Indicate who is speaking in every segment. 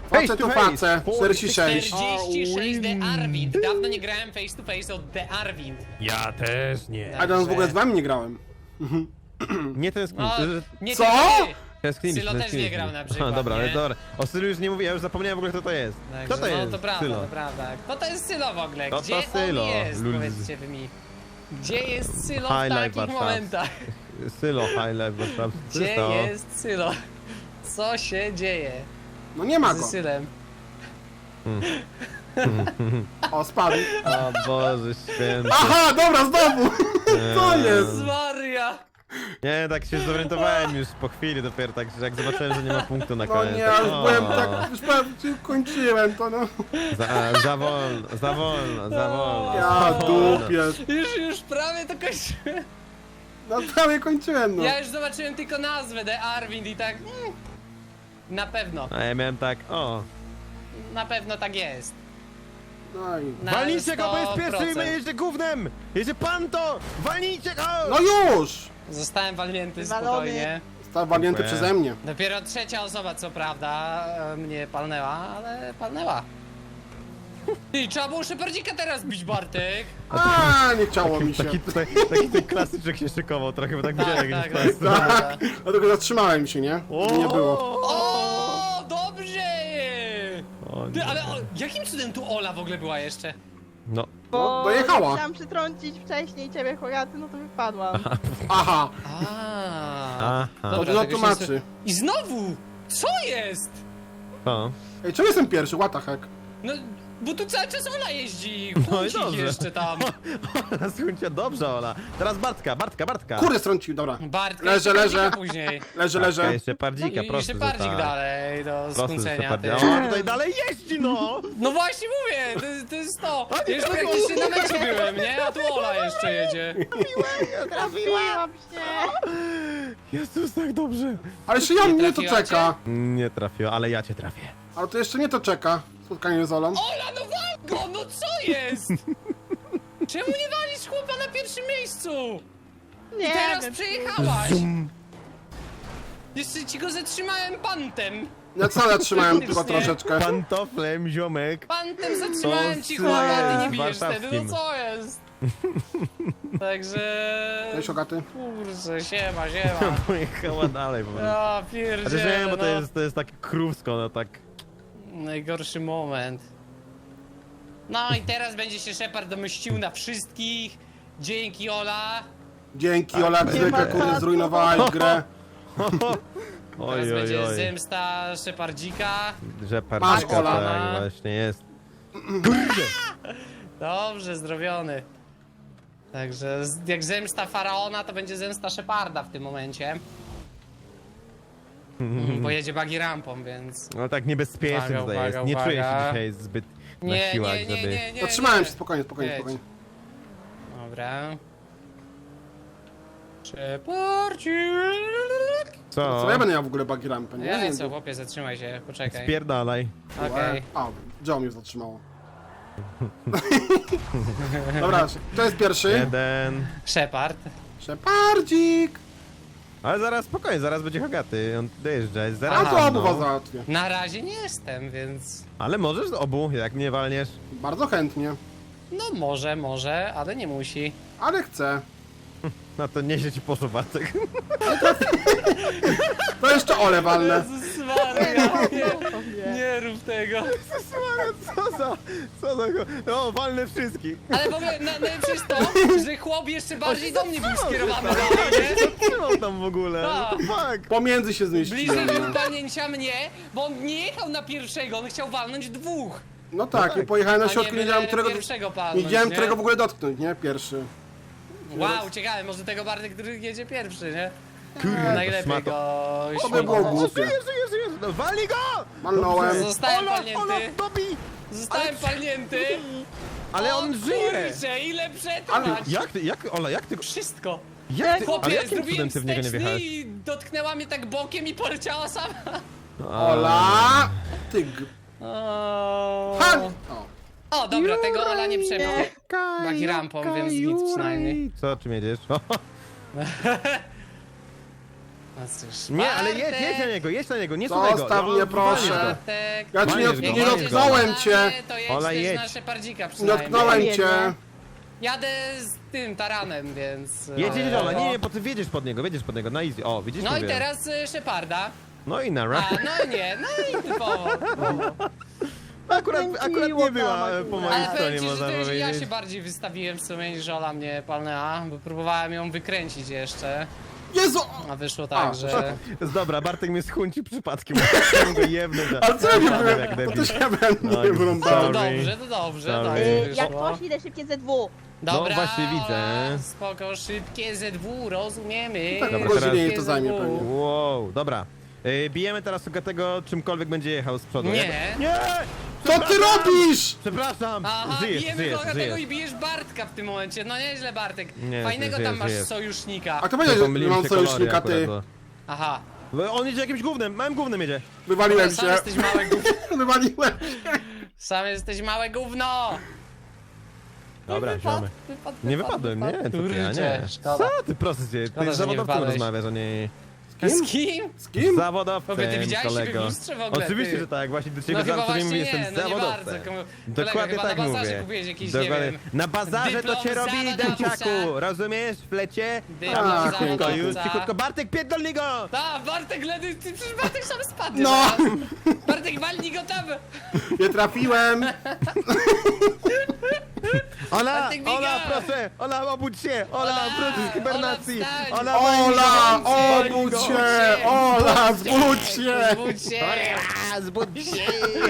Speaker 1: Facet to facet, 46.
Speaker 2: 46 The Arwind. Dawno nie grałem face to face od The Arwind.
Speaker 3: Ja też nie.
Speaker 1: A ja w ogóle z wami nie grałem.
Speaker 3: Nie tęsknię.
Speaker 2: No, nie
Speaker 1: Co?
Speaker 2: ty.
Speaker 3: Tęskniliśmy,
Speaker 2: Sylo też nie
Speaker 3: tęskniliśmy.
Speaker 2: grał na przykład,
Speaker 3: Dobra, ale
Speaker 2: nie?
Speaker 3: dobra. O Sylu już nie mówię, ja już zapomniałem w ogóle kto to jest.
Speaker 2: Także,
Speaker 3: Kto to jest?
Speaker 2: No to prawda,
Speaker 3: Sylo.
Speaker 2: to prawda. Kto to jest Sylo w ogóle?
Speaker 3: Kto to
Speaker 2: Gdzie
Speaker 3: Sylo?
Speaker 2: on jest?
Speaker 3: Lul.
Speaker 2: Powiedzcie wy mi. Gdzie jest Sylo w
Speaker 3: High Life
Speaker 2: takich
Speaker 3: Warszaw.
Speaker 2: momentach?
Speaker 3: Sylo, High Life, Warszaw.
Speaker 2: Gdzie jest Sylo? Co się dzieje
Speaker 1: No nie ma
Speaker 2: z
Speaker 1: go.
Speaker 2: Sylem?
Speaker 1: O, spadł.
Speaker 3: O Boże święty.
Speaker 1: Aha, dobra, znowu! Co jest?
Speaker 2: Maria!
Speaker 3: Nie, tak się zorientowałem już po chwili dopiero, tak, że jak zobaczyłem, że nie ma punktu na
Speaker 1: No
Speaker 3: koniec.
Speaker 1: nie,
Speaker 3: tak,
Speaker 1: już byłem tak, już prawie kończyłem to, no.
Speaker 3: Za wolno, za wolno, za wolno.
Speaker 1: Ja
Speaker 3: za wolno.
Speaker 1: dupię.
Speaker 2: Już prawie to kończyłem.
Speaker 1: No prawie kończyłem, no.
Speaker 2: Ja już zobaczyłem tylko nazwę The Arwind i tak... na pewno,
Speaker 3: A ja miałem tak, o.
Speaker 2: na pewno tak jest.
Speaker 1: No, i...
Speaker 2: Na
Speaker 3: Walnijcie go, bo jest
Speaker 2: 100%.
Speaker 3: pierwszy i my jedzie gównem! Jedzie pan to! Walnijcie go!
Speaker 1: no już!
Speaker 2: Zostałem walnięty
Speaker 4: Wywalony.
Speaker 2: spokojnie.
Speaker 1: Został walnięty
Speaker 3: Dziękuję.
Speaker 1: przeze mnie.
Speaker 2: Dopiero trzecia osoba, co prawda, mnie palnęła, ale palnęła. I trzeba było Szepardzika teraz bić, Bartek.
Speaker 1: A, nie chciało mi się.
Speaker 3: Taki ten klasyczek się szykował trochę, bo tak widziałem
Speaker 2: Tak,
Speaker 3: jak
Speaker 2: tak,
Speaker 3: jest
Speaker 2: tak.
Speaker 1: Tak, dlatego zatrzymałem się, nie? Nie było.
Speaker 2: O, dobrze!
Speaker 3: O,
Speaker 2: Ty,
Speaker 3: nie.
Speaker 2: ale jakim cudem tu Ola w ogóle była jeszcze?
Speaker 3: No,
Speaker 1: No, dojechała.
Speaker 4: Chciałam przytrącić wcześniej ciebie, Hogaty, no to wypadłam.
Speaker 1: Aha,
Speaker 3: aha.
Speaker 1: to
Speaker 2: Dobra,
Speaker 1: dużo
Speaker 2: tego się
Speaker 1: tłumaczy.
Speaker 2: I znowu! Co jest?
Speaker 3: O.
Speaker 1: Ej, czemu jestem pierwszy? What the heck?
Speaker 2: No, bo tu cały czas Ola jeździ,
Speaker 3: No i
Speaker 2: Huncik
Speaker 3: dobrze.
Speaker 2: jeszcze tam.
Speaker 3: Ola, słuchajcie, dobrze Ola. Teraz Bartka.
Speaker 1: Kurde, strącił, dobra.
Speaker 2: Bartka
Speaker 1: Leżę,
Speaker 2: jeszcze
Speaker 1: leżę.
Speaker 2: Pardzika później.
Speaker 1: Leżę,
Speaker 3: Tak,
Speaker 1: leżę.
Speaker 3: jeszcze Pardzika,
Speaker 2: I
Speaker 3: proszę, że
Speaker 2: Szepardzik
Speaker 3: tak.
Speaker 2: dalej do
Speaker 3: Proszę, że
Speaker 2: skrócenia. Ty.
Speaker 3: Szepardzik. A on tutaj dalej jeździ, no!
Speaker 2: No właśnie mówię, to jest to. Ja już praktycznie na mecie byłem, nie? A tu Ola jeszcze jedzie.
Speaker 4: Trafiłam się!
Speaker 3: Jezus, tak dobrze.
Speaker 1: Ale jeszcze ja
Speaker 2: Nie
Speaker 1: mnie to
Speaker 2: trafiła
Speaker 1: czeka.
Speaker 3: Nie trafił, ale ja cię trafię.
Speaker 1: Ale to jeszcze nie to czeka. Spotkanie z Olą.
Speaker 2: Ola, no wal go, no co jest? Czemu nie walisz chłopa na pierwszym miejscu?
Speaker 4: Nie
Speaker 2: Teraz
Speaker 4: wiem.
Speaker 2: przejechałaś. Jeszcze ci go zatrzymałem pantem.
Speaker 1: Ja co zatrzymałem tylko
Speaker 2: Faktycznie.
Speaker 1: troszeczkę.
Speaker 3: Pantoflem, ziomek.
Speaker 2: Pantem zatrzymałem
Speaker 3: To
Speaker 2: ci
Speaker 3: z,
Speaker 2: chłopa, a ty nie bijesz
Speaker 3: warszawskim.
Speaker 2: wtedy, no co jest? Także...
Speaker 1: Cześć, Ogaty.
Speaker 2: Kurczę, siema.
Speaker 3: Pojechała dalej po prostu.
Speaker 2: Ja
Speaker 3: A
Speaker 2: pierdzielę,
Speaker 3: też wiem, bo
Speaker 2: no.
Speaker 3: to jest tak krówsko, no tak.
Speaker 2: Najgorszy moment. No i teraz będzie się Shepard domyścił na wszystkich. Dzięki, Ola.
Speaker 1: Dzięki, Ola, jak zwykle, kurde, zrujnowałeś grę.
Speaker 3: Oj,
Speaker 2: Teraz
Speaker 3: oj,
Speaker 2: będzie
Speaker 3: oj.
Speaker 2: zemsta Shepardzika.
Speaker 3: Że
Speaker 1: Masz,
Speaker 3: parczka,
Speaker 1: Ola.
Speaker 3: tak właśnie jest.
Speaker 2: Dobrze, zdrowiony. Także jak zemsta Faraona, to będzie zemsta Sheparda w tym momencie. Bo jedzie buggy rampą, więc...
Speaker 3: No tak niebezpiecznie
Speaker 2: Uwaga,
Speaker 3: tutaj jest.
Speaker 2: uwaga,
Speaker 3: Nie czuję się
Speaker 2: uwaga.
Speaker 3: dzisiaj zbyt na
Speaker 2: Nie,
Speaker 3: siłach,
Speaker 2: nie, nie,
Speaker 3: żeby...
Speaker 2: nie, nie.
Speaker 1: Zatrzymałem
Speaker 2: nie.
Speaker 1: się, spokojnie, spokojnie,
Speaker 2: Jedź.
Speaker 1: spokojnie.
Speaker 2: Dobra. Shepardzik.
Speaker 3: Co?
Speaker 1: Co ja będę miał w ogóle buggy rampę, nie?
Speaker 2: Ja co, chłopie, zatrzymaj się, poczekaj.
Speaker 3: Spierdalaj.
Speaker 2: Okej.
Speaker 1: A, Joe mnie zatrzymało. Dobra, to jest pierwszy.
Speaker 3: Jeden.
Speaker 2: Shepard.
Speaker 1: Szepardzik!
Speaker 3: Ale zaraz, spokojnie, zaraz będzie Hogaty. On dojeżdża, jest
Speaker 1: A
Speaker 3: zaraz.
Speaker 1: to obu was
Speaker 3: no.
Speaker 1: załatwię.
Speaker 2: Na razie nie jestem, więc...
Speaker 3: Ale możesz z obu, jak mnie walniesz.
Speaker 1: Bardzo chętnie.
Speaker 2: No może, ale nie musi.
Speaker 1: Ale chcę.
Speaker 3: No to nieźle ci poszło, Bartek.
Speaker 1: To jeszcze Ole walnę.
Speaker 2: Jezus Maria,
Speaker 4: Sobie.
Speaker 2: nie rób tego.
Speaker 3: Co za... No, walnę wszystkich.
Speaker 2: Ale w ogóle najlepsze jest to, że chłop jeszcze bardziej do mnie był skierowany dalej, nie?
Speaker 3: Trzymał tam w ogóle.
Speaker 2: Tak.
Speaker 3: Fuck.
Speaker 1: Pomiędzy się zmieściłem.
Speaker 2: Bliżej
Speaker 1: no.
Speaker 2: wypalnięcia mnie, bo on nie jechał na pierwszego, on chciał walnąć dwóch.
Speaker 1: No tak,
Speaker 3: tak.
Speaker 1: i pojechałem
Speaker 2: A
Speaker 1: na
Speaker 2: nie
Speaker 1: środku, nie wiedziałem, którego...
Speaker 2: pierwszego
Speaker 1: Nie
Speaker 2: palnąć,
Speaker 1: wiedziałem,
Speaker 2: nie?
Speaker 1: którego w ogóle dotknąć, nie? Pierwszy.
Speaker 2: Wow, ciekawe, może tego Bartek, który jedzie pierwszy, nie?
Speaker 3: Kurde,
Speaker 2: Najlepiej
Speaker 3: szmato.
Speaker 2: go
Speaker 1: To by było
Speaker 2: śmigować.
Speaker 1: głupie.
Speaker 3: Żyjesz. No, walnij go!
Speaker 1: Walnąłem.
Speaker 2: Zostałem
Speaker 3: Ola,
Speaker 2: palnięty,
Speaker 3: dobij!
Speaker 2: zostałem palnięty.
Speaker 3: Ale
Speaker 2: O
Speaker 3: on żyje!
Speaker 2: kurczę, ile przetrwać!
Speaker 3: Ola, jak ty...
Speaker 2: Wszystko.
Speaker 3: Jak ty... Ale
Speaker 2: Chłopie,
Speaker 3: jakim
Speaker 2: zrobiłem
Speaker 3: cudem ty w niego nie
Speaker 2: wsteczny
Speaker 3: wjechałeś?
Speaker 2: i dotknęła mnie tak bokiem i poleciała sama.
Speaker 1: Ola! Tyg. Han! O.
Speaker 2: O, dobra, tego Ola nie przebił. Buggy rampą, więc nic przynajmniej.
Speaker 3: Co, czym jedziesz?
Speaker 2: No cóż,
Speaker 3: Nie, ale
Speaker 2: Bartek,
Speaker 3: jedź na niego, nie słuchaj go.
Speaker 1: Zostaw mnie, proszę.
Speaker 2: Bartek.
Speaker 1: Ja ci
Speaker 3: Walniesz
Speaker 1: nie
Speaker 3: go, walniesz go.
Speaker 1: dotknąłem cię.
Speaker 2: To jedź
Speaker 3: Ola,
Speaker 2: też
Speaker 3: jedź.
Speaker 2: na Szepardzika
Speaker 1: Nie
Speaker 2: przynajmniej.
Speaker 1: dotknąłem
Speaker 4: Nie,
Speaker 1: cię.
Speaker 2: Jadę z tym taranem, więc...
Speaker 3: Jedź, Ola, nie, bo ty wiedziesz pod niego, na easy. O, widzisz?
Speaker 2: No i
Speaker 3: mówię.
Speaker 2: teraz Szeparda.
Speaker 3: No i nara.
Speaker 2: A, no nie, no i typowo.
Speaker 3: Akurat nie była
Speaker 4: Ale
Speaker 3: po
Speaker 2: Ale
Speaker 3: mojej
Speaker 2: powiem
Speaker 3: stronie,
Speaker 2: ci, że
Speaker 3: można
Speaker 2: to już ja
Speaker 3: powiedzieć.
Speaker 2: się bardziej wystawiłem w sumie niż Ola mnie palnęła, bo próbowałem ją wykręcić jeszcze,
Speaker 1: Jezu!
Speaker 2: a wyszło tak, że...
Speaker 3: Dobra, Bartek mnie schuńci przypadkiem. Chciałem go jebnąć.
Speaker 1: Ale co ja nie byłem?
Speaker 3: Jak
Speaker 1: To
Speaker 3: debil.
Speaker 1: też ja będę
Speaker 3: No,
Speaker 1: nie
Speaker 2: To
Speaker 1: wyrąbałem.
Speaker 3: Sorry.
Speaker 2: dobrze,
Speaker 3: Sorry.
Speaker 2: tak
Speaker 4: Jak
Speaker 2: wyszło.
Speaker 4: poszli, idę szybkie ZW.
Speaker 2: Dobra,
Speaker 3: No, właśnie widzę.
Speaker 2: Ola, spoko, szybkie ZW, rozumiemy.
Speaker 1: Tak,
Speaker 3: Dobra,
Speaker 1: godzinie
Speaker 3: teraz-
Speaker 1: jej to zajmie
Speaker 2: ZW.
Speaker 1: pewnie.
Speaker 3: Wow, dobra. Bijemy teraz tego czymkolwiek będzie jechał z przodu.
Speaker 2: Nie.
Speaker 3: Nie!
Speaker 1: Co ty robisz?
Speaker 3: Przepraszam!
Speaker 2: Aha,
Speaker 3: Żyjesz,
Speaker 2: bijemy
Speaker 3: żyjesz,
Speaker 2: tego
Speaker 3: żyjesz.
Speaker 2: i bijesz Bartka w tym momencie. No nieźle, Bartek.
Speaker 3: Nie,
Speaker 2: Fajnego
Speaker 3: żyjesz,
Speaker 2: tam masz
Speaker 3: żyjesz.
Speaker 2: sojusznika.
Speaker 1: A to powiedział, że
Speaker 3: Pomyliłem
Speaker 1: mam
Speaker 3: się kolory
Speaker 1: sojusznika,
Speaker 3: akurat,
Speaker 1: ty.
Speaker 3: bo-
Speaker 2: Aha.
Speaker 3: Bo on jedzie jakimś gównem, małym gównem jedzie.
Speaker 1: Wywaliłem
Speaker 2: Sam
Speaker 1: się.
Speaker 2: jesteś małe gówno.
Speaker 1: Wywaliłem.
Speaker 2: Sam jesteś małe gówno.
Speaker 3: Dobra, ziomy. Nie wypadłem, nie, to ty, ja nie.
Speaker 2: Kurczę, szkoda.
Speaker 3: Co ty, proszę cię,
Speaker 2: Szkoda,
Speaker 3: ty
Speaker 2: że
Speaker 3: z
Speaker 2: nie
Speaker 3: zawodowcem
Speaker 2: wypadłeś.
Speaker 3: rozmawiasz, a nie...
Speaker 2: Z kim?
Speaker 1: Z kim?
Speaker 3: Z zawodowcem,
Speaker 2: Tobie, ty widziałeś siebie w
Speaker 3: kolego.
Speaker 2: lustrze w ogóle,
Speaker 3: Oczywiście,
Speaker 2: ty?
Speaker 3: że tak, właśnie do ciebie
Speaker 2: No chyba
Speaker 3: zawsze
Speaker 2: właśnie
Speaker 3: jestem
Speaker 2: nie, no nie
Speaker 3: zawodowcem.
Speaker 2: bardzo. Kolega,
Speaker 3: Dokładnie
Speaker 2: chyba
Speaker 3: tak
Speaker 2: na bazarze
Speaker 3: mówię.
Speaker 2: kupiłeś jakiś,
Speaker 3: Dokładnie.
Speaker 2: nie wiem,
Speaker 3: Na bazarze to
Speaker 2: dyplom
Speaker 3: cię robi,
Speaker 2: zawodowca.
Speaker 3: dęciaku, rozumiesz? W flecie?
Speaker 2: Dyplom
Speaker 1: A,
Speaker 3: Cichutko, już,
Speaker 2: zawodowca.
Speaker 3: cichutko, Bartek, pierdolnij go!
Speaker 2: Ta, Bartek ledy, ty przecież Bartek sam spadnie
Speaker 1: No.
Speaker 2: zaraz. Bartek, walnij go tam.
Speaker 1: Nie trafiłem.
Speaker 3: Ola,
Speaker 2: Bartek, biega!
Speaker 3: Ola, proszę, Ola, obudź się, Ola, wróć z hibernacji,
Speaker 2: Ola,
Speaker 3: Ola,
Speaker 1: Ola,
Speaker 3: walnij go!
Speaker 1: obudź się! Ola, zbudź się!
Speaker 2: Zbudź się.
Speaker 3: A, zbudź się!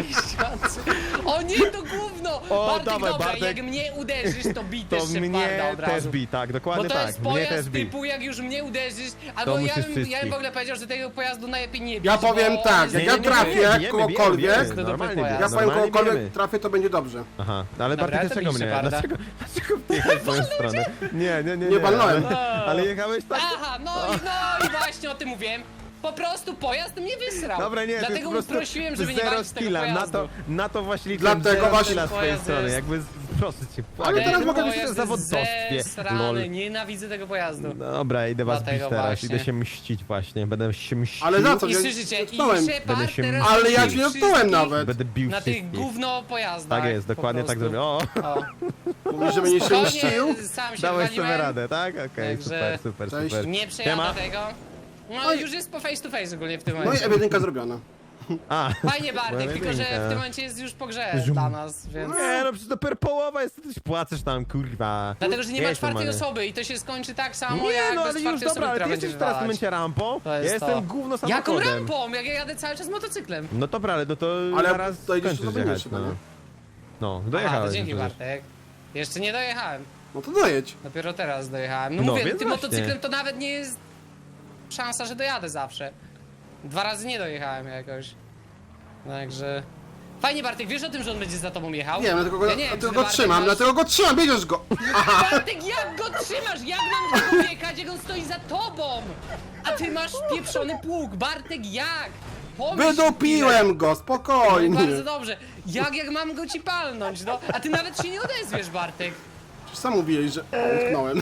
Speaker 2: O nie, to gówno!
Speaker 3: O,
Speaker 2: Bartek,
Speaker 3: dawaj,
Speaker 2: dobra,
Speaker 3: Bartek.
Speaker 2: jak mnie uderzysz, to bij
Speaker 3: To
Speaker 2: też
Speaker 3: mnie
Speaker 2: Szeparda od
Speaker 3: też
Speaker 2: razu.
Speaker 3: bi, tak,
Speaker 2: Bo
Speaker 3: dokładnie
Speaker 2: to
Speaker 3: tak,
Speaker 2: jest
Speaker 3: mnie
Speaker 2: pojazd
Speaker 3: też bi.
Speaker 2: typu, jak już mnie uderzysz, albo
Speaker 3: musisz
Speaker 2: ja bym
Speaker 3: wszystkich.
Speaker 2: w ogóle powiedział, że tego pojazdu najlepiej nie bić,
Speaker 1: Ja powiem
Speaker 2: bo
Speaker 1: tak,
Speaker 2: on
Speaker 1: jak
Speaker 2: jest-
Speaker 1: ja trafię
Speaker 3: bijemy,
Speaker 1: kogokolwiek,
Speaker 3: bijemy,
Speaker 2: to
Speaker 3: normalnie
Speaker 2: dobry
Speaker 3: bijemy,
Speaker 1: ja powiem
Speaker 3: normalnie
Speaker 1: kogokolwiek
Speaker 3: bijemy.
Speaker 1: trafię, to będzie dobrze.
Speaker 3: Aha, ale
Speaker 2: Dobra,
Speaker 3: Bartek,
Speaker 2: to
Speaker 3: dlaczego
Speaker 2: bij
Speaker 3: mnie?
Speaker 2: Szeparda.
Speaker 3: Dlaczego jechałeś w moją stronę? Nie.
Speaker 1: Nie walnąłem.
Speaker 3: Ale jechałeś tak...
Speaker 2: Aha, no i właśnie o tym mówiłem. Po prostu pojazd mnie wysrał.
Speaker 3: Dobra, nie, to jest
Speaker 2: Dlatego
Speaker 3: po prostu
Speaker 2: prosiłem, żeby nie
Speaker 3: zero
Speaker 2: walczyć z tego
Speaker 3: skilla,
Speaker 2: pojazdu.
Speaker 3: na to właśnie liczyłem
Speaker 1: Dlatego
Speaker 3: zero
Speaker 1: właśnie-
Speaker 3: skilla z twojej
Speaker 2: Pojazd
Speaker 3: strony,
Speaker 2: jest-
Speaker 3: jakby, proszę cię,
Speaker 1: Ale
Speaker 3: błagam.
Speaker 1: teraz mogę
Speaker 2: pojazd
Speaker 1: być
Speaker 3: w
Speaker 2: jest
Speaker 3: zawodowstwie,
Speaker 2: zesrany,
Speaker 3: lol.
Speaker 2: nienawidzę tego pojazdu.
Speaker 3: Dobra, idę was bić
Speaker 2: Dlatego
Speaker 3: teraz,
Speaker 2: właśnie.
Speaker 3: idę się mścić właśnie, będę się mścił.
Speaker 1: Ale za co?
Speaker 2: I
Speaker 1: Ja
Speaker 2: słyszycie, i
Speaker 1: dotknąłem.
Speaker 2: Shepard
Speaker 3: Będę się
Speaker 2: teraz
Speaker 1: Ale ja
Speaker 2: bił
Speaker 1: cię dotknąłem
Speaker 2: wszystkich
Speaker 1: nawet.
Speaker 3: Będę bił
Speaker 2: Na tych
Speaker 3: wszystkich.
Speaker 2: gówno pojazdach.
Speaker 3: Tak jest,
Speaker 2: po
Speaker 3: dokładnie tak
Speaker 2: prostu.
Speaker 3: zrobię. O,
Speaker 2: O,
Speaker 1: Mówisz, że mnie się
Speaker 2: spokojnie,
Speaker 1: mścił?
Speaker 2: sam się
Speaker 3: dałeś sobie
Speaker 2: wywaliłem.
Speaker 3: radę, tak? Okej,
Speaker 2: Także-
Speaker 3: super.
Speaker 1: Cześć.
Speaker 2: Nie przejadę
Speaker 3: Siema.
Speaker 2: tego. No
Speaker 1: Oj.
Speaker 2: już jest po face to face ogólnie w tym
Speaker 1: No i
Speaker 2: momencie.
Speaker 1: ewidentka zrobiona.
Speaker 3: A,
Speaker 2: Fajnie Bartek,
Speaker 3: Moja
Speaker 2: tylko że w
Speaker 3: jedynka.
Speaker 2: tym momencie jest już po grze
Speaker 3: Zium.
Speaker 2: dla nas, więc...
Speaker 3: nie no, przecież dopiero połowa jest, ty płaczesz tam, kurwa.
Speaker 2: Dlatego, że nie ma
Speaker 3: Jedź
Speaker 2: czwartej
Speaker 3: normalnie.
Speaker 2: osoby i to się skończy tak samo
Speaker 3: Nie
Speaker 2: jak
Speaker 3: no,
Speaker 2: bez
Speaker 3: ale już
Speaker 2: czwartej osoby,
Speaker 3: dobra, ale
Speaker 2: która
Speaker 3: ty
Speaker 2: będzie
Speaker 3: jesteś teraz w tym
Speaker 2: wywalać.
Speaker 3: momencie rampą,
Speaker 2: To
Speaker 3: ja
Speaker 2: jest
Speaker 3: jestem
Speaker 2: to.
Speaker 3: gówno
Speaker 2: Jaką
Speaker 3: samochodem.
Speaker 2: rampą? Jak ja jadę cały czas motocyklem.
Speaker 3: No dobra, ale no to
Speaker 1: Ale
Speaker 3: zaraz
Speaker 1: dojedziesz
Speaker 3: skończysz
Speaker 1: do
Speaker 3: jechać,
Speaker 1: chyba,
Speaker 3: no.
Speaker 1: nie?
Speaker 3: No,
Speaker 2: Aha,
Speaker 3: dojechałeś.
Speaker 2: to dzięki
Speaker 3: przecież.
Speaker 2: Bartek. Jeszcze nie dojechałem.
Speaker 1: No to dojedź.
Speaker 2: Dopiero teraz dojechałem. No,
Speaker 3: No,
Speaker 2: mówię,
Speaker 3: więc
Speaker 2: tym
Speaker 3: właśnie.
Speaker 2: motocyklem to nawet nie jest szansa, że dojadę zawsze. 2 razy nie dojechałem jakoś. Także... Fajnie Bartek, wiesz o tym, że on będzie za tobą jechał?
Speaker 1: Nie wiem, dlatego go,
Speaker 2: Ja nie wiem,
Speaker 1: dlatego
Speaker 2: czy
Speaker 1: go
Speaker 2: Bartek
Speaker 1: trzymam,
Speaker 2: masz-
Speaker 1: dlatego go trzymam, bierzesz go! Aha!
Speaker 2: Bartek, jak go trzymasz? Jak mam tego jechać, jak on stoi za tobą? A ty masz pieprzony pług. Bartek, jak? Pomyśl chwilę.
Speaker 1: Wydupiłem go,
Speaker 2: No i
Speaker 1: spokojnie!
Speaker 2: bardzo dobrze. Jak mam go ci palnąć, no? A ty nawet się nie odezwiesz, Bartek.
Speaker 1: Sam mówiłeś, że utknąłem.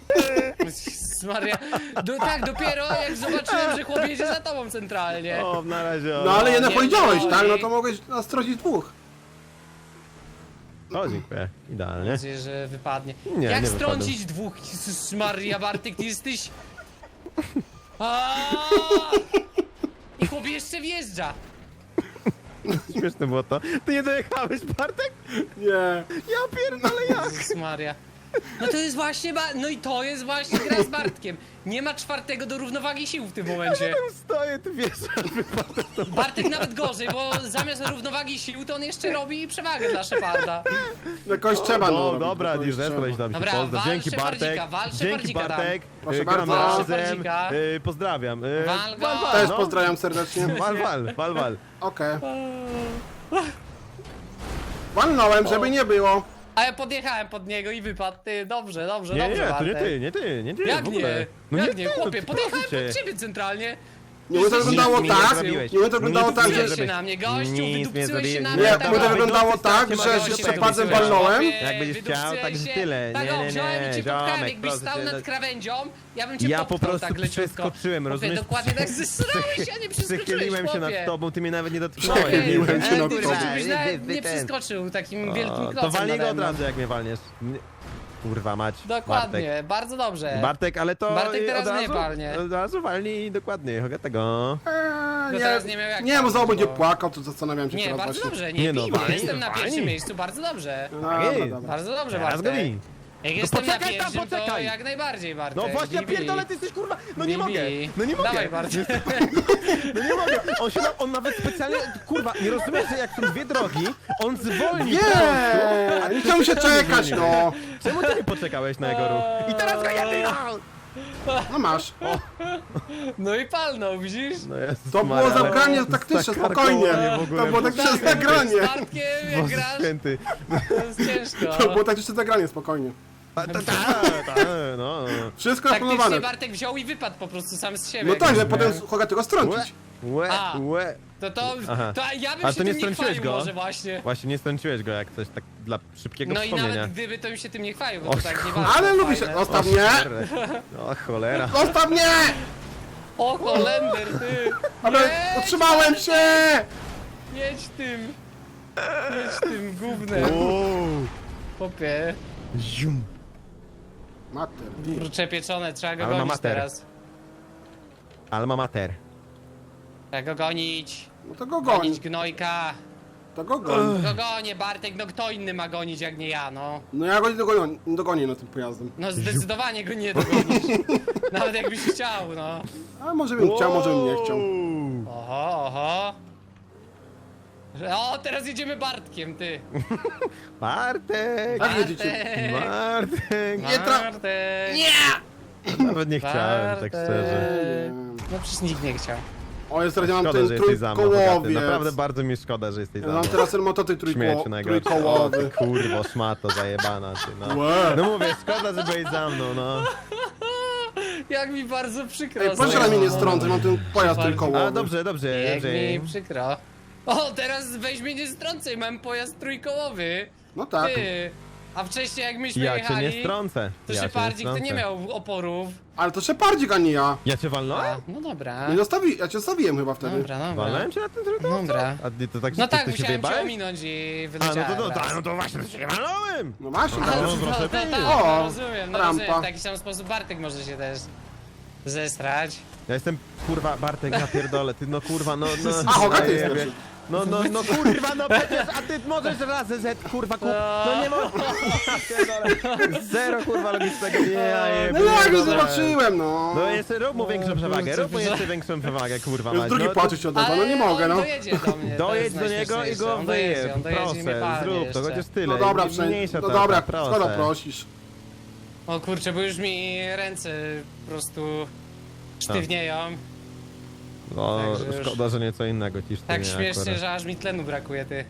Speaker 2: Maria. Tak, dopiero jak zobaczyłem, że chłop jedzie za tobą centralnie.
Speaker 3: O, na razie.
Speaker 1: No ale jednak
Speaker 2: nie
Speaker 1: powiedziałeś,
Speaker 2: boi.
Speaker 1: tak? No to mogłeś nastroić dwóch.
Speaker 3: O, dziękuję. Idealnie.
Speaker 2: Nadzieję, że wypadnie.
Speaker 3: Nie,
Speaker 2: Jak
Speaker 3: nie
Speaker 2: strącić dwóch? Jezus Maria, Bartek, ty jesteś... I chłop jeszcze wjeżdża.
Speaker 3: Śmieszne było to. Ty nie dojechałeś, Bartek?
Speaker 1: Nie.
Speaker 3: Ja pierdolę jak?
Speaker 2: Jezus Maria. No to jest właśnie, no i to jest właśnie gra z Bartkiem. Nie ma czwartego do równowagi sił w tym momencie.
Speaker 3: Tam stoję, ty wiesz,
Speaker 2: Bartek nawet gorzej, bo zamiast równowagi sił to on jeszcze robi przewagę dla Szeparda.
Speaker 1: Jakoś trzeba, no.
Speaker 3: No
Speaker 1: robić,
Speaker 3: dobra,
Speaker 1: jakoś
Speaker 3: Dirzes,
Speaker 1: trzeba.
Speaker 3: koleś tam się
Speaker 2: Dobra,
Speaker 3: pozdrow.
Speaker 2: wal
Speaker 3: Dzięki Bartek.
Speaker 2: Szepardzika, wal
Speaker 3: Dzięki
Speaker 2: Szepardzika tam.
Speaker 3: Bartek.
Speaker 1: Proszę
Speaker 3: Gramy
Speaker 1: bardzo.
Speaker 3: razem.
Speaker 2: Szepardzika.
Speaker 3: Pozdrawiam.
Speaker 2: Wal go.
Speaker 1: Też
Speaker 3: no.
Speaker 1: pozdrawiam serdecznie.
Speaker 3: Wal.
Speaker 1: Okej. Walnąłem, żeby nie było.
Speaker 2: A ja podjechałem pod niego i wypadł. Ty, dobrze,
Speaker 3: Nie,
Speaker 2: dobrze,
Speaker 3: to nie
Speaker 2: Bartek.
Speaker 3: ty, nie ty.
Speaker 2: Jak
Speaker 3: w ogóle.
Speaker 2: nie?
Speaker 3: No
Speaker 2: Jak nie,
Speaker 3: ty,
Speaker 2: chłopie,
Speaker 3: no
Speaker 2: podjechałem
Speaker 3: proszę
Speaker 2: pod
Speaker 3: cię.
Speaker 2: ciebie centralnie.
Speaker 1: Nie, bo to wyglądało
Speaker 3: mi nie
Speaker 1: tak,
Speaker 3: zrobiłeś.
Speaker 1: nie, bo to wyglądało
Speaker 3: Nic
Speaker 1: tak,
Speaker 3: mi nie
Speaker 1: że...
Speaker 2: Wydupcyłeś się na mnie, gościu,
Speaker 3: Nic nie
Speaker 2: wydupcyłeś się
Speaker 3: zrobiłem.
Speaker 2: na
Speaker 1: Nie,
Speaker 2: mnie.
Speaker 1: bo to wyglądało tak,
Speaker 3: Gościu,
Speaker 1: że
Speaker 3: gościu,
Speaker 1: się przepadłem,
Speaker 3: wydupcyłeś.
Speaker 1: walnąłem.
Speaker 3: Jak będziesz chciał, tak tyle.
Speaker 2: Tak,
Speaker 3: Nie,
Speaker 2: o,
Speaker 3: nie,
Speaker 2: wziąłem i
Speaker 3: nie,
Speaker 2: cię popchałem,
Speaker 3: ziomek,
Speaker 2: jakbyś
Speaker 3: proszę
Speaker 2: stał
Speaker 3: cię,
Speaker 2: nad krawędzią, ja bym cię
Speaker 3: Ja
Speaker 2: popchnął
Speaker 3: po prostu
Speaker 2: tak leciutko.
Speaker 3: przeskoczyłem,
Speaker 2: Chłopie,
Speaker 3: rozumiesz?
Speaker 2: dokładnie tak zesrałeś, a nie przeskoczyłeś,
Speaker 3: Przychyliłem się nad
Speaker 2: chłopie.
Speaker 3: tobą, ty mnie nawet nie dotknąłeś.
Speaker 1: Przychyliłem się nad
Speaker 2: Kurwa,
Speaker 1: tobą.
Speaker 2: żebyś nawet nie
Speaker 3: Wy ten.
Speaker 2: przeskoczył takim wielkim
Speaker 3: O,
Speaker 2: klocem
Speaker 3: to walnij go
Speaker 2: nade
Speaker 3: od
Speaker 2: mną.
Speaker 3: razu, jak mnie walniesz. Kurwa mać.
Speaker 2: Dokładnie, bardzo dobrze.
Speaker 3: Bartek, ale to
Speaker 2: Bartek teraz
Speaker 3: od
Speaker 2: mnie
Speaker 3: razu,
Speaker 2: palnie.
Speaker 3: Od razu walnij dokładnie, tego.
Speaker 2: No teraz nie miał jak
Speaker 1: Nie, bo
Speaker 2: palnąć,
Speaker 1: znowu będzie
Speaker 2: bo-
Speaker 1: płakał, to zastanawiam się
Speaker 2: Nie,
Speaker 1: teraz
Speaker 2: bardzo
Speaker 1: właśnie.
Speaker 2: dobrze,
Speaker 3: Nie
Speaker 2: nie
Speaker 3: no,
Speaker 2: bij,
Speaker 3: walnij,
Speaker 2: jestem na pierwszym
Speaker 3: walnij.
Speaker 2: miejscu, bardzo dobrze.
Speaker 1: Dobra,
Speaker 3: jest.
Speaker 1: dobra.
Speaker 2: Bardzo dobrze,
Speaker 3: Teraz go
Speaker 2: Bartek.
Speaker 3: bij.
Speaker 2: Jak jestem na
Speaker 3: poczekaj tam,
Speaker 2: pierwszym, to
Speaker 3: poczekaj.
Speaker 2: jak najbardziej, Bartek.
Speaker 3: No właśnie, ja
Speaker 2: Bij, bij.
Speaker 3: pierdolę, ty jesteś kurwa, no nie
Speaker 2: Bij,
Speaker 3: mogę,
Speaker 2: bij.
Speaker 3: no nie mogę.
Speaker 2: Dawaj, Bartek.
Speaker 3: No nie mogę, on nawet specjalnie, kurwa, nie rozumiesz, że jak są dwie drogi, on zwolni po prostu.
Speaker 1: Nie, nie chciałem się czekać, no.
Speaker 3: Czemu ty nie poczekałeś na jego ruch? I teraz go jedy!
Speaker 1: No masz.
Speaker 2: No i palnął, widzisz?
Speaker 3: No Jezus
Speaker 1: To było
Speaker 3: Maria, ale
Speaker 1: zagranie taktyczne,
Speaker 3: zakarkoło
Speaker 1: spokojnie.
Speaker 3: mnie w ogóle.
Speaker 1: To było taktyczne
Speaker 2: Z
Speaker 1: zagranie.
Speaker 2: Bartkiem, jak
Speaker 3: Boże
Speaker 2: grasz,
Speaker 3: święty.
Speaker 2: to jest ciężko.
Speaker 1: To było taktyczne zagranie, spokojnie.
Speaker 3: No.
Speaker 1: Wszystko
Speaker 2: Taktycznie
Speaker 1: zaplanowane.
Speaker 2: Bartek wziął i wypadł po prostu sam z siebie.
Speaker 1: No tak, że
Speaker 2: jakby.
Speaker 1: potem Hogatego strącić.
Speaker 2: A.
Speaker 3: Aha.
Speaker 2: To ja bym
Speaker 3: Ale
Speaker 2: się
Speaker 3: to nie
Speaker 2: tym nie
Speaker 3: strąciłeś
Speaker 2: chwalił
Speaker 3: go?
Speaker 2: może właśnie.
Speaker 3: Właśnie nie strąciłeś go jak coś tak dla szybkiego
Speaker 2: No i
Speaker 3: wspomnienia.
Speaker 2: nawet gdyby, to bym się tym nie chwalił, bo
Speaker 3: O
Speaker 2: to tak nie
Speaker 3: kurwa.
Speaker 2: bardzo
Speaker 1: Ale lubisz...
Speaker 2: fajne.
Speaker 1: Zostaw mnie!
Speaker 3: O cholera.
Speaker 1: Zostaw mnie!
Speaker 2: O, Holender, ty!
Speaker 1: Ale
Speaker 2: Jedź,
Speaker 1: utrzymałem się!
Speaker 2: Jedź tym! Jedź tym gównem, popie.
Speaker 3: Zium.
Speaker 1: Mater.
Speaker 2: Kurcze pieczone, trzeba go
Speaker 3: Alma
Speaker 2: gonić
Speaker 3: mater.
Speaker 2: teraz.
Speaker 3: Alma mater.
Speaker 2: Trzeba go gonić.
Speaker 1: No to go goń.
Speaker 2: Gonić gnojka.
Speaker 1: To go goń.
Speaker 2: Go gonię, Bartek, no kto inny ma gonić jak nie ja, no.
Speaker 1: No ja go nie dogonię na tym pojazdem.
Speaker 2: No zdecydowanie go nie dogonisz. Nawet jakbyś chciał, no.
Speaker 1: A może bym chciał, może bym nie chciał.
Speaker 2: Oho, oho. O, teraz jedziemy Bartkiem, ty.
Speaker 3: Bartek!
Speaker 1: Jak jedziecie?
Speaker 3: Bartek!
Speaker 1: Nie tra-
Speaker 2: Bartek.
Speaker 3: Nawet nie chciałem, tak szczerze.
Speaker 2: No przecież nikt nie chciał.
Speaker 1: O, jest teraz ja mam
Speaker 3: Szkoda,
Speaker 1: ten
Speaker 3: że jesteś za mną, Hogaty.
Speaker 1: trójkołowiec.
Speaker 3: Naprawdę bardzo mi szkoda, że jesteś
Speaker 1: Ja
Speaker 3: za
Speaker 1: mam
Speaker 3: mną.
Speaker 1: teraz ten motocykl
Speaker 3: Śmieciu najgorszy. O,
Speaker 1: trójkołowy.
Speaker 3: kurwo, szmato zajebana ty, no.
Speaker 1: Łe.
Speaker 3: No mówię, szkoda, że byłeś za mną, no.
Speaker 2: Jak mi bardzo przykro.
Speaker 1: Ej, proszę na mnie nie strącać, mam ten pojazd
Speaker 2: Bardzo.
Speaker 1: trójkołowy.
Speaker 3: A dobrze, dobrze,
Speaker 2: Jak
Speaker 3: Andrzej.
Speaker 2: mi przykro. O, teraz weź mnie nie strącaj, mam pojazd trójkołowy.
Speaker 1: No tak.
Speaker 2: Ty. A wcześniej jak myśmy
Speaker 3: Ja cię
Speaker 2: jechali,
Speaker 3: nie strącę.
Speaker 2: to
Speaker 3: Ja cię
Speaker 2: Szepardzik to nie
Speaker 3: strącę.
Speaker 2: miał oporów.
Speaker 1: Ale to Szepardzik, a nie ja.
Speaker 3: Ja cię walnąłem?
Speaker 2: A, no dobra.
Speaker 1: No ja cię zostawiłem chyba wtedy.
Speaker 2: Dobra, dobra.
Speaker 3: Walnąłem cię na tym trójkącie?
Speaker 2: Dobra.
Speaker 3: A ty to tak,
Speaker 2: No
Speaker 3: ty,
Speaker 2: tak,
Speaker 3: ty się
Speaker 2: musiałem cię
Speaker 3: wyjebałeś?
Speaker 2: ominąć i
Speaker 3: A,
Speaker 2: wyleciałem
Speaker 3: no
Speaker 2: raz.
Speaker 3: to właśnie, to się walnąłem!
Speaker 1: No właśnie,
Speaker 2: A,
Speaker 1: tak.
Speaker 2: no,
Speaker 3: proszę
Speaker 2: to
Speaker 3: ty.
Speaker 2: tak,
Speaker 1: O,
Speaker 2: no rozumiem, no
Speaker 1: rampa.
Speaker 2: rozumiem. W taki sam sposób Bartek może się też zestrać.
Speaker 3: Ja jestem, kurwa, Bartek, ja pierdolę, ty no kurwa, no...
Speaker 1: A, Hogaty jest
Speaker 3: jebie.
Speaker 1: lepszy.
Speaker 3: No kurwa, no przecież, a ty możesz raz Z, kurwa, no nie ma... Zero, kurwa, logicznego, nie, ja jebie,
Speaker 1: No jak już
Speaker 3: dobra.
Speaker 1: zobaczyłem, no.
Speaker 3: No jeszcze rób mu większą przewagę,
Speaker 2: kurczę,
Speaker 3: rób mu jeszcze większą przewagę, kurwa,
Speaker 1: Już
Speaker 3: mać.
Speaker 1: drugi
Speaker 3: No,
Speaker 1: płaczeć się odezwał, no nie mogę,
Speaker 2: on
Speaker 1: no.
Speaker 2: dojedzie do mnie. to
Speaker 3: dojedź
Speaker 2: jest
Speaker 3: do niego i
Speaker 2: najśmieszniejsze.
Speaker 3: go
Speaker 2: On dojedzie,
Speaker 3: wyjeb,
Speaker 2: on dojedzie i mnie
Speaker 3: proszę,
Speaker 2: palnie
Speaker 3: zrób to,
Speaker 2: jeszcze.
Speaker 3: chociaż tyle.
Speaker 1: No dobra,
Speaker 3: mniejsza
Speaker 1: no
Speaker 3: ta,
Speaker 1: dobra,
Speaker 3: proszę.
Speaker 1: skoro prosisz.
Speaker 2: O kurczę, bo już mi ręce po prostu sztywnieją.
Speaker 3: No,
Speaker 2: Także już-
Speaker 3: szkoda, że nieco innego ciż ty
Speaker 2: Tak
Speaker 3: nie
Speaker 2: śmiesznie,
Speaker 3: akurat.
Speaker 2: że aż mi tlenu brakuje, ty.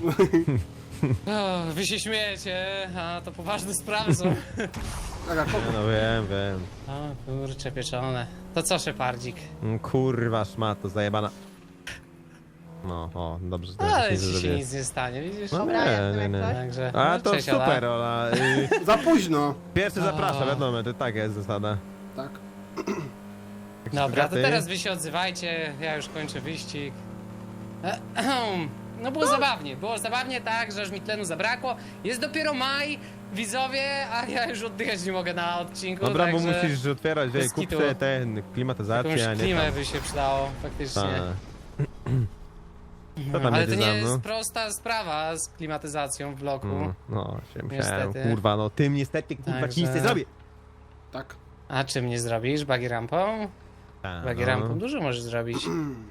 Speaker 2: O, wy się śmiejecie, a to poważne sprawy są.
Speaker 1: Tak, jak
Speaker 3: No wiem.
Speaker 2: O kurcze pieczone. To co, Szepardzik?
Speaker 3: Kurwa szmato, zajebana. No, o, dobrze, że
Speaker 2: Ale
Speaker 3: nic
Speaker 2: ci się
Speaker 3: zrobiłem.
Speaker 2: nic nie stanie, widzisz?
Speaker 3: No
Speaker 4: Dobra, jestem
Speaker 3: nie,
Speaker 4: jak
Speaker 3: nie.
Speaker 4: coś.
Speaker 2: Także,
Speaker 3: A
Speaker 2: no,
Speaker 3: to
Speaker 2: cześć, Ola.
Speaker 3: super, Ola.
Speaker 1: za późno.
Speaker 3: Pierwszy zapraszam,
Speaker 2: O.
Speaker 3: wiadomo, to tak jest zasada.
Speaker 1: Tak.
Speaker 2: Dobra, to
Speaker 3: Ty?
Speaker 2: teraz wy się odzywajcie, ja już kończę wyścig. No było zabawnie tak, że aż mi tlenu zabrakło. Jest dopiero maj, widzowie, a ja już oddychać nie mogę na odcinku,
Speaker 3: Dobra, bo
Speaker 2: także
Speaker 3: musisz otwierać,
Speaker 2: bez
Speaker 3: wiej, kup
Speaker 2: kitu.
Speaker 3: sobie ten klimatyzację, a
Speaker 2: jakąś
Speaker 3: nie
Speaker 2: klimę
Speaker 3: tam.
Speaker 2: by się przydało, faktycznie.
Speaker 3: Ta. Co tam
Speaker 2: Ale
Speaker 3: jedzie
Speaker 2: to nie
Speaker 3: za mną?
Speaker 2: jest prosta sprawa z klimatyzacją w bloku.
Speaker 3: No, się musiałem,
Speaker 2: Niestety.
Speaker 3: kurwa, no tym niestety, kurwa,
Speaker 2: Także-
Speaker 3: ci nic nie zrobię.
Speaker 1: Tak.
Speaker 2: A czym nie zrobisz? Buggy rampą?
Speaker 3: Ta,
Speaker 2: Buggy
Speaker 3: no.
Speaker 2: rampą dużo możesz zrobić.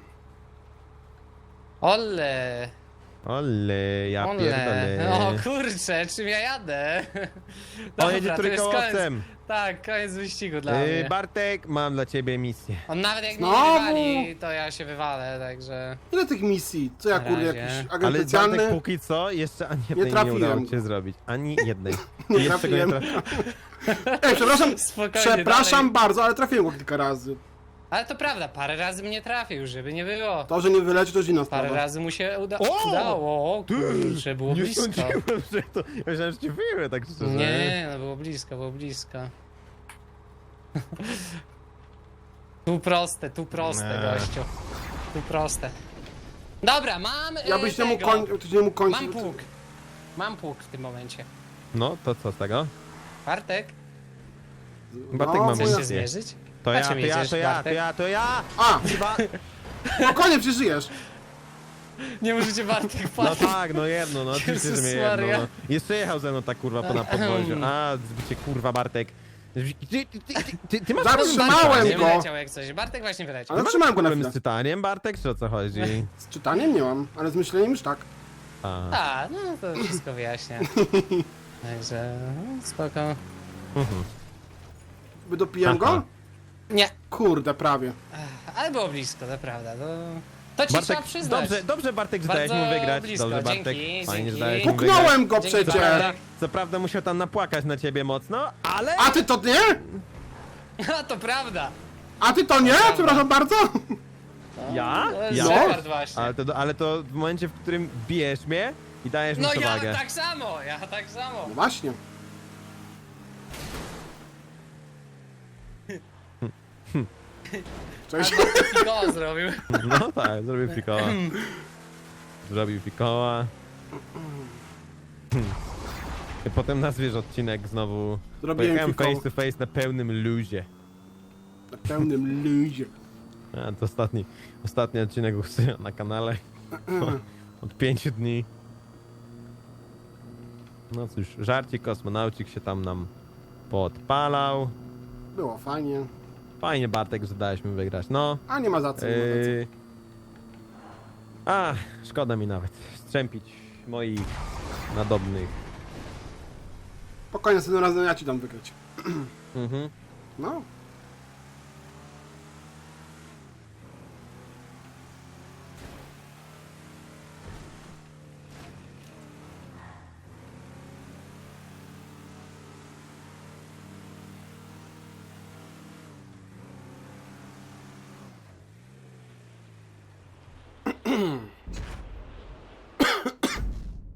Speaker 2: Ole!
Speaker 3: Ole, ja pierdolę.
Speaker 2: O kurczę, czym ja jadę?
Speaker 3: On jedzie
Speaker 2: to jest koniec.
Speaker 3: trójkołowcem.
Speaker 2: Tak, koniec wyścigu dla mnie.
Speaker 3: Bartek, mam dla ciebie misję.
Speaker 2: On nawet jak mnie
Speaker 1: Znowu?
Speaker 2: nie wywali, to ja się wywalę, także...
Speaker 1: Ile tych misji? Co ja
Speaker 2: Na
Speaker 1: kurde,
Speaker 2: razie.
Speaker 1: jakiś agent
Speaker 3: Ale Bartek
Speaker 1: specjalny?
Speaker 3: póki co jeszcze ani jednej nie,
Speaker 1: trafiłem.
Speaker 3: udało ci się zrobić. Ani jednej.
Speaker 1: Nie
Speaker 3: Jeszcze go
Speaker 1: trafiłem.
Speaker 3: trafiłem.
Speaker 1: Ej, przepraszam,
Speaker 2: Spokojnie,
Speaker 1: przepraszam
Speaker 2: dalej.
Speaker 1: bardzo, ale trafiłem go kilka razy.
Speaker 2: Ale to prawda, parę razy mnie trafił, żeby nie było.
Speaker 1: To, że nie wyleci, to już inna
Speaker 2: Parę
Speaker 1: sprawa.
Speaker 2: razy mu się
Speaker 3: O!
Speaker 2: udało. O kurczę, było
Speaker 3: Nie
Speaker 2: blisko.
Speaker 3: sądziłem, że to... Ja myślałem, że cię wyjmę, tak szczerze.
Speaker 2: Nie, no było blisko, było blisko. Tu proste,
Speaker 3: Nie.
Speaker 2: gościu. Tu proste. Dobra, mam
Speaker 1: Ja byś nie mógł
Speaker 2: tego.
Speaker 1: ty nie mógł kończyć.
Speaker 2: Mam pług. Mam pług w tym momencie.
Speaker 3: No, to co z tego?
Speaker 2: Bartek,
Speaker 3: Bartek
Speaker 1: No,
Speaker 3: ma
Speaker 2: chcesz
Speaker 3: misję.
Speaker 2: się zmierzyć?
Speaker 3: To
Speaker 2: Na
Speaker 3: ja,
Speaker 2: czym
Speaker 3: to ja,
Speaker 2: jedziesz,
Speaker 3: to ja, to
Speaker 2: Bartek?
Speaker 3: ja, to ja!
Speaker 1: A,
Speaker 3: Chyba...
Speaker 1: spokojnie, przeżyjesz.
Speaker 2: Nie możecie Bartek
Speaker 3: No
Speaker 2: płacić.
Speaker 3: tak, no jedno, no oczywiście, że mnie jedno,
Speaker 2: Maria.
Speaker 3: no. Jeszcze jechał ze mną ta kurwa na podwoziu. A, zbicie kurwa Bartek. Ty masz
Speaker 1: Zatrzymałem
Speaker 2: Nie
Speaker 1: go.
Speaker 2: wyleciał jak coś. Bartek właśnie wyleciał.
Speaker 1: Ale trzymałem go na
Speaker 3: problem
Speaker 1: chwilę.
Speaker 3: z czytaniem, Bartek, czy o co chodzi?
Speaker 1: Z czytaniem nie mam, ale z myśleniem już tak.
Speaker 3: A,
Speaker 2: A, no to wszystko wyjaśnia. Także, no, spoko.
Speaker 1: Wydopiłem
Speaker 3: Aha.
Speaker 1: go?
Speaker 2: Nie,
Speaker 1: Kurde, prawie.
Speaker 2: ale było blisko, to prawda. To ci trzeba
Speaker 3: Bartek,
Speaker 2: przyznać.
Speaker 3: dobrze Bartek, że dałeś mu
Speaker 2: Bardzo
Speaker 3: wygrać.
Speaker 2: blisko,
Speaker 3: Dobrze Bartek,
Speaker 2: dzięki,
Speaker 3: fajnie, że
Speaker 2: dzięki.
Speaker 3: dałeś mu wygrać.
Speaker 1: Puknąłem go
Speaker 2: Dzięki,
Speaker 1: przecież.
Speaker 2: Bartek.
Speaker 3: Co prawda musiał tam napłakać na ciebie mocno, ale...
Speaker 1: A ty to nie?
Speaker 2: A, to prawda.
Speaker 1: A ty to nie? Przepraszam bardzo.
Speaker 3: Ja?
Speaker 2: To jest
Speaker 3: Ja?
Speaker 2: Shepard właśnie.
Speaker 3: Ale to w momencie, w którym bijesz mnie i dajesz mi
Speaker 2: No ja
Speaker 3: przewagę.
Speaker 2: tak samo,
Speaker 1: No właśnie. Cześć.
Speaker 2: Go zrobił.
Speaker 3: No tak, zrobił fikoła. Zrobił fikoła. I potem nazwiesz odcinek znowu.
Speaker 1: Zrobiłem
Speaker 3: Pojechałem
Speaker 1: fikoła.
Speaker 3: face to face na pełnym luzie.
Speaker 1: Na pełnym luzie.
Speaker 3: A, to ostatni odcinek u Syna na kanale. Od 5 dni. No cóż, żarcik kosmonaucik się tam nam podpalał.
Speaker 1: Było fajnie.
Speaker 3: Fajnie Bartek, że dałeś mi wygrać. No.
Speaker 1: A nie ma za co. Nie ma za co.
Speaker 3: Szkoda mi nawet strzępić moich nadobnych.
Speaker 1: Spokojnie, następnym razem ja ci dam wygrać.
Speaker 3: Mhm.
Speaker 1: No.